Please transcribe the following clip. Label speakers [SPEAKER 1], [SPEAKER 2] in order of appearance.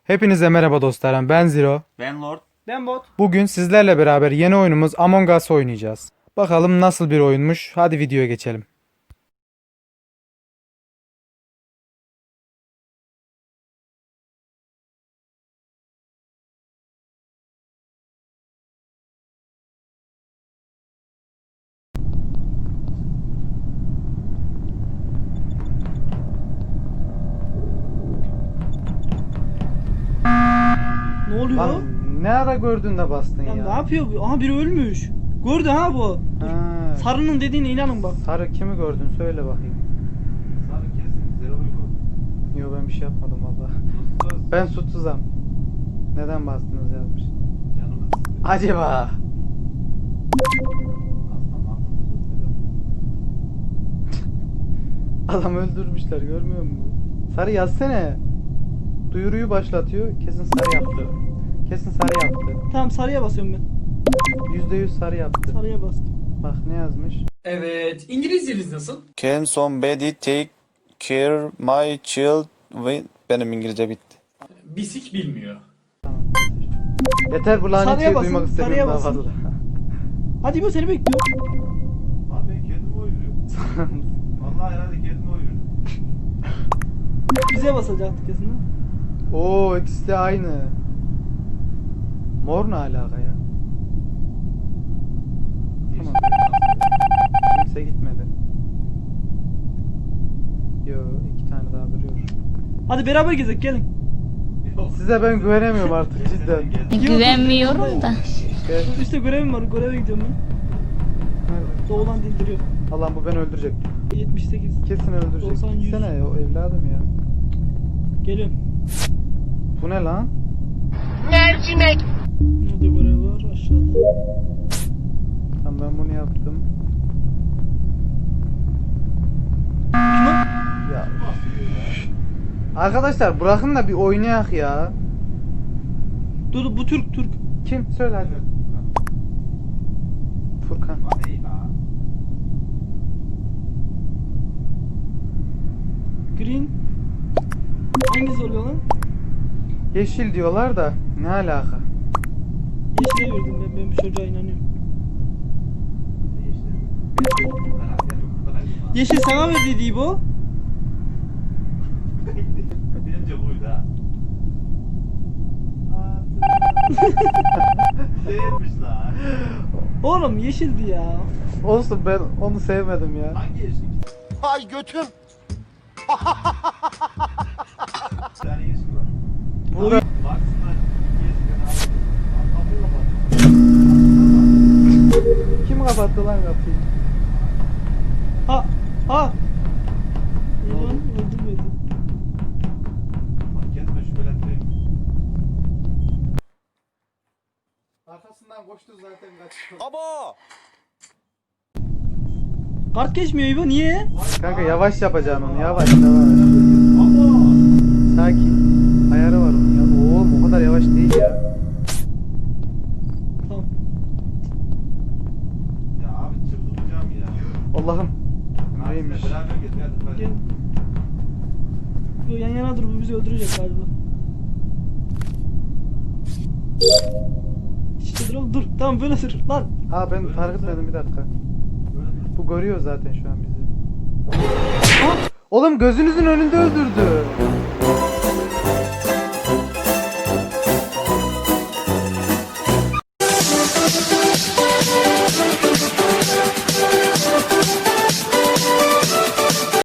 [SPEAKER 1] Hepinize merhaba dostlarım. Ben Zero.
[SPEAKER 2] Ben Lord.
[SPEAKER 3] Ben bot.
[SPEAKER 1] Bugün sizlerle beraber yeni oyunumuz Among Us oynayacağız. Bakalım nasıl bir oyunmuş. Hadi videoya geçelim.
[SPEAKER 3] Ne oluyor?
[SPEAKER 1] Lan ne ara gördün de bastın
[SPEAKER 3] Ya
[SPEAKER 1] ya?
[SPEAKER 3] ne yapıyor bu? Aha biri ölmüş. Gördü ha bu.
[SPEAKER 1] Ha,
[SPEAKER 3] Sarının dediğine inanın bak.
[SPEAKER 1] sarı kimi gördün söyle bakayım.
[SPEAKER 2] Sarı kesin. Zero uygun.
[SPEAKER 1] Yo ben bir şey yapmadım valla.
[SPEAKER 2] Sus.
[SPEAKER 1] Ben suçsuzum. Neden bastınız yazmış.
[SPEAKER 2] Canımı sıkıyor.
[SPEAKER 1] Acaba?
[SPEAKER 2] Aslan altını tutmadım.
[SPEAKER 1] Adam öldürmüşler görmüyor musun? Sarı yazsene. Duyuruyu başlatıyor. Kesin sarı yaptı. Kesin sarı yaptı.
[SPEAKER 3] Tamam sarıya basıyorum ben.
[SPEAKER 1] %100 sarı yaptı.
[SPEAKER 3] Sarıya bastım.
[SPEAKER 1] Bak ne yazmış?
[SPEAKER 4] Evet. İngilizceniz nasıl?
[SPEAKER 5] Can somebody take care my child with... Benim İngilizce bitti.
[SPEAKER 4] Bisik bilmiyor.
[SPEAKER 1] Yeter bu lanet
[SPEAKER 3] Sarıya
[SPEAKER 1] şeyi
[SPEAKER 3] basın,
[SPEAKER 1] duymak
[SPEAKER 3] sarıya
[SPEAKER 1] istemiyorum daha
[SPEAKER 3] basın.
[SPEAKER 1] fazla.
[SPEAKER 3] Hadi bu seni bekliyor.
[SPEAKER 2] Abi ben kendimi oynuyorum. Vallahi herhalde kendimi oynuyorum.
[SPEAKER 3] Bize basacaktık kesin ha.
[SPEAKER 1] Oo ikisi de aynı. Mor ne alaka ya? Tamam. Kimse gitmedi. Yo iki tane daha duruyor.
[SPEAKER 3] Hadi beraber gezek gelin.
[SPEAKER 1] Size ben güvenemiyorum artık cidden.
[SPEAKER 6] Güvenmiyorum da.
[SPEAKER 1] Gel.
[SPEAKER 3] İşte görevim var. Göreve gidiyorum ben.
[SPEAKER 1] Nerede?
[SPEAKER 3] Doğulan dildiriyor.
[SPEAKER 1] Allah'ım bu beni öldürecek.
[SPEAKER 3] 78.
[SPEAKER 1] Kesin öldürecek.
[SPEAKER 3] 90, 100.
[SPEAKER 1] Gitsene o evladım ya.
[SPEAKER 3] Geliyorum.
[SPEAKER 1] Bu ne lan?
[SPEAKER 3] Nerede görev var? Aşağıda.
[SPEAKER 1] Tamam ben bunu yaptım.
[SPEAKER 3] Kim o?
[SPEAKER 1] Ya. Arkadaşlar bırakın da bir oynayak ya.
[SPEAKER 3] Dur bu Türk.
[SPEAKER 1] Kim? Söyle hadi. Furkan.
[SPEAKER 2] Hadi ya.
[SPEAKER 3] Green. Hangisi oluyor lan?
[SPEAKER 1] Yeşil diyorlar da ne alaka?
[SPEAKER 3] Yeşile verdim ben bu çocuğa inanıyorum. Yeşil sana verdiydi bu.
[SPEAKER 2] Bence buydu ha. Bu değilmiş lan.
[SPEAKER 3] Oğlum yeşildi ya.
[SPEAKER 1] Olsun ben onu sevmedim ya.
[SPEAKER 2] Hangi yeşil? Ay götüm. Bir tane yeşil var.
[SPEAKER 1] Bu da
[SPEAKER 2] Baksınlar. Yeşil abi. Kapıyı kapat.
[SPEAKER 1] kim kapattı lan kapıyı?
[SPEAKER 3] Ha. Lan öldürmedi.
[SPEAKER 2] Bak kendime şüphelendireyim.
[SPEAKER 1] Arkasından koştu zaten kaçıyor.
[SPEAKER 5] Abo!
[SPEAKER 3] Kart geçmiyor İbo niye?
[SPEAKER 1] Kanka yavaş yapacaksın onu yavaş.
[SPEAKER 2] Ama.
[SPEAKER 1] Sakin. Ayarı var onun ya. Oğlum o kadar yavaş değil ya.
[SPEAKER 3] Tamam.
[SPEAKER 2] Ya abi çıldıracağım ya.
[SPEAKER 1] Allah'ım.
[SPEAKER 2] Abi
[SPEAKER 1] Neymiş?
[SPEAKER 2] beraber gez hadi.
[SPEAKER 3] Gel. Yo, yan yana dur bu bizi öldürecek galiba. İşte dur oğlum dur. Tamam böyle dur lan.
[SPEAKER 1] Ha ben fark etmedim bir dakika. Bu görüyor zaten şu an bizi. Oğlum gözünüzün önünde öldürdü.